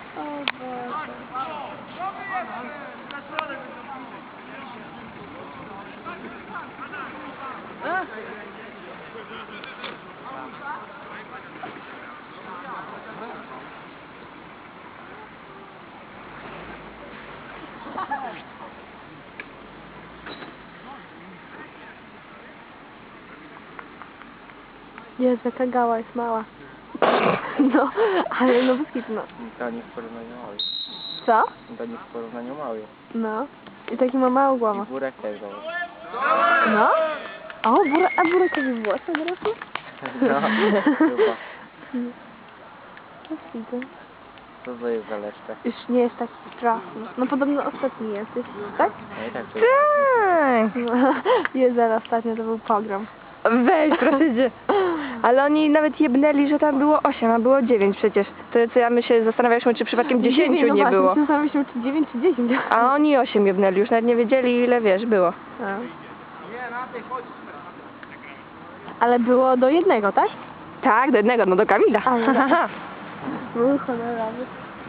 O Boże. Jezu, jaka gała jest mała. No, ale no bez kitu, no. To nie w porównaniu mały. Co? To nie w porównaniu mały. No. I taki ma małą I głowę. burek też zobacz. No? O, a burekowi włosy dorosły? No, chyba. No widzę. Co to jest za leszcze? Już nie jest taki straszny. No podobno ostatni jesteś, tak? No i tak to Tak. No, jeden ostatnio to był pogrom. Weź, proszę cię. Ale oni nawet jebnęli, że tam było 8, a było 9 przecież. To co ja my się zastanawialiśmy, czy przypadkiem 10 no nie było. Zastanawialiśmy, czy 9 czy 10. A oni 8 jebnęli, już nawet nie wiedzieli ile, wiesz, było. A. Ale było do jednego, tak? Tak, do jednego, no do Kamila. Ale był honorowy.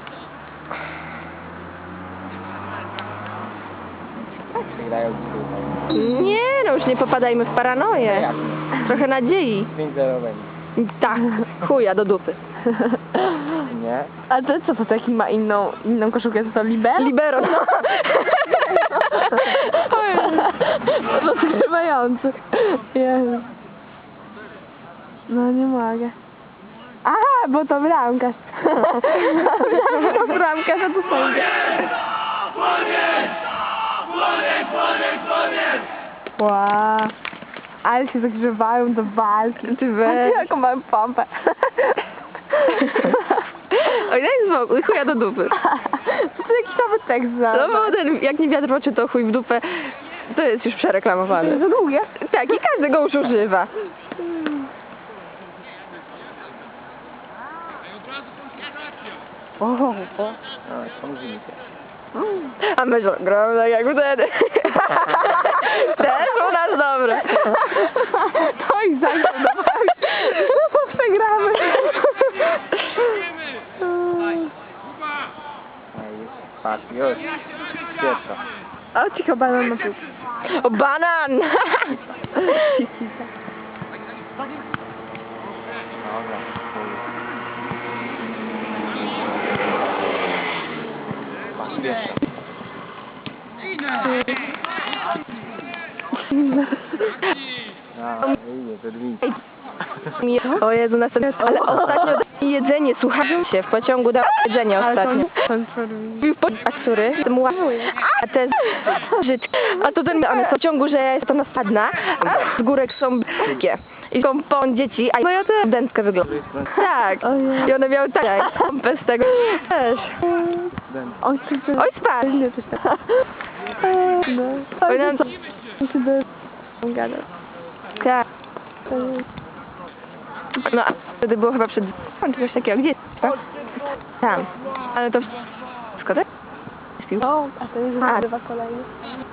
przegrają dzisiaj. Nie, no już nie popadajmy w paranoję. Trochę nadziei. 5-0 będzie. Tak, chuja do dupy. Nie? A to co to taki ma inną koszulkę? To libero? Libero, no. Rozgrywający. Jezu. No nie mogę. Aha, bo to bramkarz. Myślałam, że to bramkarz, a to sędzia. Wow. Ale się zagrzewają do walki. Ty weź. Jaką mam pompę. Oj, daj spokój, chuja do dupy. To jakiś nowy tekst za. No bo ten, jak nie wiatr w oczy, to chuj w dupę. To jest już przereklamowany. Za długie? Tak, i każdy go już używa. O, No, pomóżmy się. A my gramy tak jak wtedy. Też u nas dobre. To ich zainteresowało. No to przegramy. No i patrz, już. Pierwsza. O, cicho, banan na piłkę. O, banan! Dobra. Patrz, pierwsza. A, wyjdzie, to drzwi. O Jezu, następnie. Ale ostatnio jedzenie, słuchajcie się, w pociągu dał jedzenie ostatnio. Był który? A ten Żyd. A to ten one w pociągu, że ja jestem spadna, a z górek są brzydkie. I są pon dzieci, a moja to dętkę wygląda. Tak. I one miały tak pompę z tego. Też. Oj, Oj, spadł. no. Powinnam co... Gada. Tak. No, a wtedy było chyba przed... czy coś takiego. Gdzie? Tak? Tam. Ale to wszystko, tak? O, a to jest nagrywa kolejny.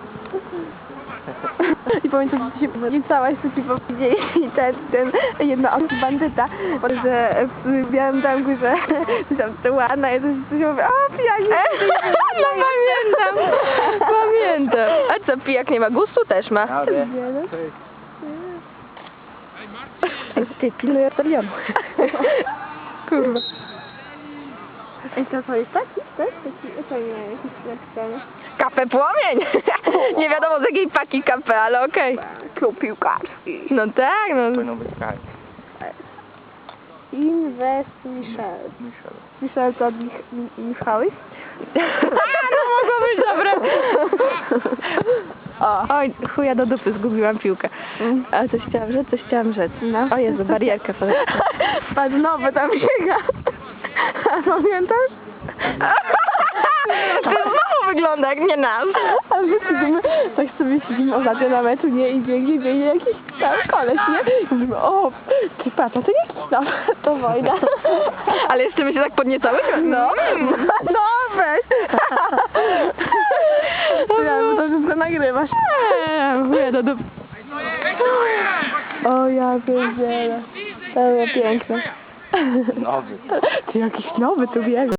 I pamiętam, że się niecałaś, co ci powiedzieli ten jedna osoba bandyta, że w Białym Zamku, że tam to ładna jest, coś mówi, o pijak, No pamiętam. Pamiętam. A co, pijak nie ma gustu? Też ma. Dobra. Ty, pilnuj ortolionu. Kurwa. Ej, to jest taki, tak? To nie, jakiś napisany. Kafe Płomień. Nie wiadomo z jakiej paki kafe, ale okej. Klub piłkarski. No tak, no. Powinno być tak. Invest Michel. Michel. Michel to od Michałys? No mogło być dobre. O. Oj, chuja do dupy, zgubiłam piłkę. A coś chciałam rzec. No. O Jezu, barierka. Patrz, nowy tam biega. A pamiętasz? To znowu wygląda jak nie nas. A my siedzimy, tak sobie siedzimy ostatnio na meczu, nie? I biegnie jakiś tam koleś, nie? I mówimy, o, ty patrz, a to jaki tam? To wojna. Ale jeszcze my się tak podniecałyśmy? No, no weź. Ja, bo to wszystko nagrywasz. Chuja do dupy. O, ja pierdzielę. To było piękne. Nowy. Ty jakiś nowy tu biegł.